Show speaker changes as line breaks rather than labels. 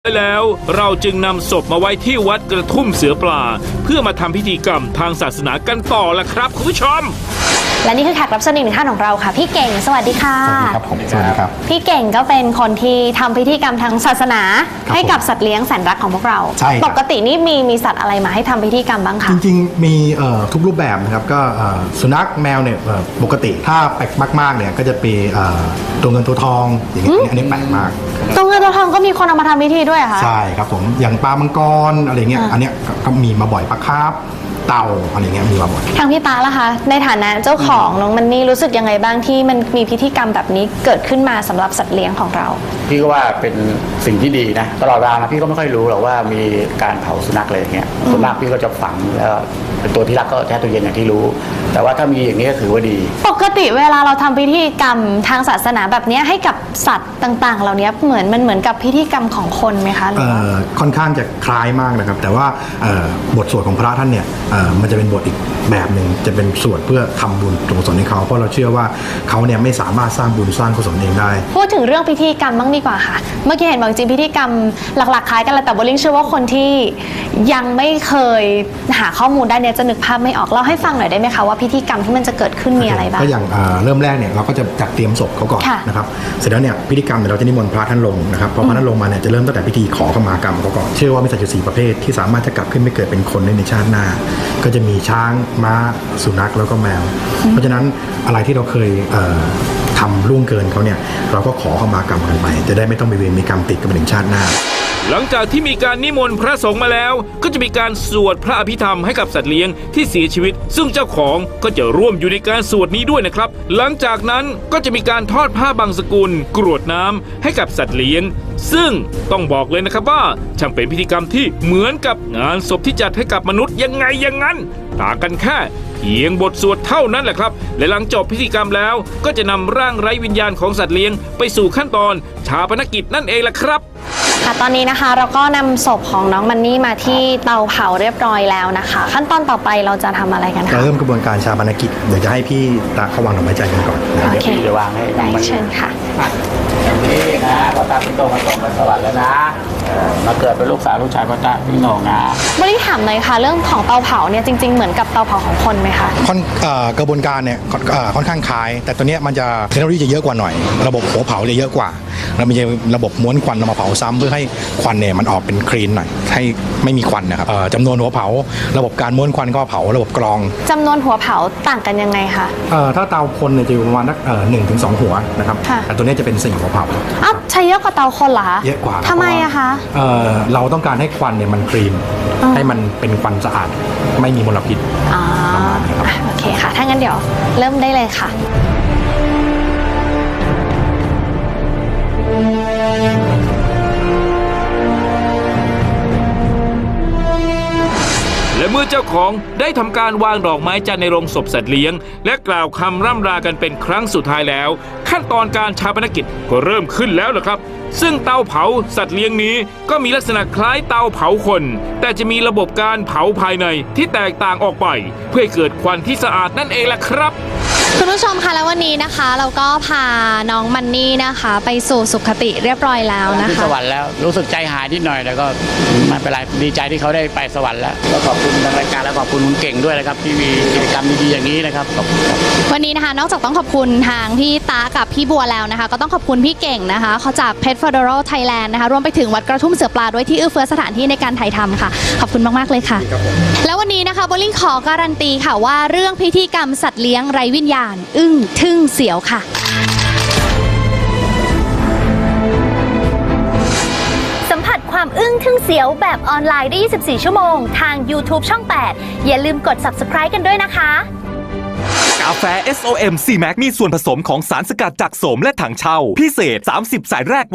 แล้วเราจึงนำศพมาไว้ที่วัดกระทุ่มเสือปลาเพื่อมาทำพิธีกรรมทางศาสนากันต่อละครับคุณผู้ชม
และนี่คือแขกรับเชิญอีกหนึ่งท่านของเราค่ะพี่เก่งสวัสดีค่ะ
สวัสดีครับผมสวัสดีครับ
พี่เก่งก็เป็นคนที่ทำพิธีกรรมทางศาสนาให้กับสัตว์เลี้ยงแสนรักของพวกเรา
ใช่
ปกตินี่มีสัตว์อะไรมาให้ทำพิธีกรรมบ้างคะ
จริงๆมีทุกรูปแบบนะครับก็สุนัขแมวเนี่ยปกติถ้าแปลกมากๆเนี่ยก็จะเป็นตัวเงินตัวทองอย่างเงี้ยอันนี้แปลกมาก
ตัวเงินตัวทองก็มีคนเอามาทำพิธีด้วยค่ะ
ใช่ครับผมอย่างปลามังกรอะไรเงี้ยอันเนี้ยก็มีมาบ่อยปลาคาร์ฟเต่าอะไรเงี้ยมีมาบ่อย
ทางพี่ตาล่ะคะในฐานะเจ้าของน้องมันนี่รู้สึกยังไงบ้างที่มันมีพิธีกรรมแบบนี้เกิดขึ้นมาสำหรับสัตว์เลี้ยงของเรา
พี่ก็ว่าเป็นสิ่งที่ดีนะตลอดเวลานะพี่ก็ไม่ค่อยรู้หรอกว่ามีการเผาสุนัขอะไรอย่างเงี้ยส่วนมากพี่ก็จะฝังแล้วเป็นตัวที่รักก็แช่ตู้เย็นอย่างที่รู้แต่ว่าถ้ามีอย่างนี้ก็ถือว่าดี
ปกติเวลาเราทำพิธีกรรมทางศาสนาแบบนี้ให้กับสัตว์ต่างๆเหล่านี้เหมือนกับพิธีกรรมของคนไหมคะ
ค่อนข้างจะคล้ายมากนะครับแต่ว่าบทสวดของพระท่านเนี่ยมันจะเป็นบทอีกแบบหนึ่งจะเป็นสวดเพื่อทำบุญกุศลให้เขาเพราะเราเชื่อว่าเขาเนี่ยไม่สามารถสร้างบุญสร้างกุศลเองได้
พูดถึงเรื่องพิธีกรรมบ้างดีกว่าค่ะเมื่อกี้เห็นบอกจริงพิธีกรรมหลักๆคล้ายกันแต่โบลิ่งเชื่อว่าคนที่ยังไม่เคยหาข้อมูลได้เนี่ยจะนึกภาพไม่ออกเล่าให้ฟังหน่อยได้ไหมคะว่าพิธีกรรมที่มันจะเกิดขึ้นมีอะไรบ้าง
ก็อย่างเริ่มแรกเนี่ยเราก็จะจัดเตรียมศพเขาก่อนนะครับเสร็จแล้วเนี่ยพิธีกรรมเราจะนิมนต์พระท่านลงนะครับพอพระท่านลงมาเนี่ยจะเริ่มตั้งแต่พิธีขอขมากรรมเขาก่อนเชื่อว่ามีสัตว์อยู่4ประเภทที่สามารถจะกลับขึ้นไปเกิดเป็นคนในชาติหน้าก็จะมีช้างม้าสุนัขแล้วก็แมวเพราะฉะนั้นอะไรที่เราเคยทำล่วงเกินเขาเนี่ยเราก็ขอขมากรรมกันไปจะได้ไม่ต้องไปเวรมีกรรมติดกันไปถึงชาติหน้า
หลังจากที่มีการนิมนต์พระสงฆ์มาแล้วก็จะมีการสวดพระอภิธรรมให้กับสัตว์เลี้ยงที่เสียชีวิตซึ่งเจ้าของก็จะร่วมอยู่ในการสวดนี้ด้วยนะครับหลังจากนั้นก็จะมีการทอดผ้าบางสกุลกรวดน้ำให้กับสัตว์เลี้ยงซึ่งต้องบอกเลยนะครับว่าช่างเป็นพิธีกรรมที่เหมือนกับงานศพที่จัดให้กับมนุษย์ยังไงอย่างนั้นต่างกันแค่เพียงบทสวดเท่านั้นแหละครับและหลังจบพิธีกรรมแล้วก็จะนำร่างไร้วิญญาณของสัตว์เลี้ยงไปสู่ขั้นตอนชาปนกิจนั่นเองล่ะครับ
ค่ะตอนนี้นะคะเราก็นำศพของน้องมันนี่มาที่เตาเผาเรียบร้อยแล้วนะคะขั้นตอนต่อไปเราจะทำอะไรกันคะ
เราเริ่มกระบวนการชาปนกิจเดี๋ยวจะให้พี่ตาเขาวางดอกไม้จันทร์กันก่อน
โอเค
จะวางให้
ได้เชิญค่ะ
นี่นะพ่อตาพี่โตมาส่งมาสวรรค์แล้วนะมาเกิดเป็นลูกสาวลูกชายพ่อตาพี่โหน่งนะ
บริถามเลยค่ะเรื่องของเตาเผาเนี่ยจริงๆเหมือนกับเตาเผาของคนไหมคะ
กระบวนการเนี่ยค่อนข้างคล้ายแต่ตัวเนี้ยมันจะเทคโนโลยีจะเยอะกว่าหน่อยระบบหัวเผาจะเยอะกว่าแล้วมีระบบม้วนควันมาเผาซ้ำเพื่อให้ควันเนี่ยมันออกเป็นคลีนหน่อยให้ไม่มีควันนะครับจำนวนหัวเผาระบบการม้วนควันก็เผาระบบกรอง
จำนวนหัวเผาต่างกันยังไงคะ
ถ้าเตาคนเนี่ยจะอยู่ประมาณ1 ถึง 2 หัวนะครับแต่ตัวนี้จะเป็น4หัวเผา
ใช้เยอะกว่าเตาคนเหรอคะ
เยอะกว่า
ทำไมอะคะ
เราต้องการให้ควันเนี่ยมันคลีนให้มันเป็นควันสะอาดไม่มีมลพิษ
โอเคค่ะถ้างั้นเดี๋ยวเริ่มได้เลยค่ะ
และเมื่อเจ้าของได้ทำการวางดอกไม้จันทร์ในโรงศพสัตว์เลี้ยงและกล่าวคำร่ำลากันเป็นครั้งสุดท้ายแล้วขั้นตอนการชาปนกิจก็เริ่มขึ้นแล้วล่ะครับซึ่งเตาเผาสัตว์เลี้ยงนี้ก็มีลักษณะคล้ายเตาเผาคนแต่จะมีระบบการเผาภายในที่แตกต่างออกไปเพื่อให้เกิดควันที่สะอาดนั่นเองล่ะครับ
คุณผู้ชมคะแล้ววันนี้นะคะเราก็พาน้องมันนี่นะคะไปสู่สุขติเรียบร้อยแล้วนะคะ
ที่สวรรค์แล้วรู้สึกใจหายนิดหน่อยแต่ก็ไม่เป็นไรดีใจที่เขาได้ไปสวรรค์แล้วก็ขอบคุณทางรายการและขอบคุณคุณเก่งด้วยนะครับที่มีกิจกรรมดีๆอย่างนี้นะครับ
วันนี้นะคะนอกจากต้องขอบคุณทางพี่ตากับพี่บัวแล้วนะคะก็ต้องขอบคุณพี่เก่งนะคะเขาจาก Pet Federal Thailand นะคะรวมไปถึงวัดกระทุ่มเสือปลาด้วยที่เอื้อเฟื้อสถานที่ในการถ่ายทำค่ะขอบคุณมากๆเลยค่ะแล้ววันนี้นะคะโบลิ่งขอการันตีค่ะว่าเรื่องพิธีกรรมสัตว์เลี้ยงไร้วิญญาณอึ้งทึ่งเสียวค่ะ
สัมผัสความอึ้งทึ่งเสียวแบบออนไลน์ได้24 ชั่วโมงทาง YouTube ช่อง 8อย่าลืมกด Subscribe กันด้วยนะคะ
กาแฟ SOM C Max มีส่วนผสมของสารสกัดจากโสมและถังเช่าพิเศษ30 สายแรก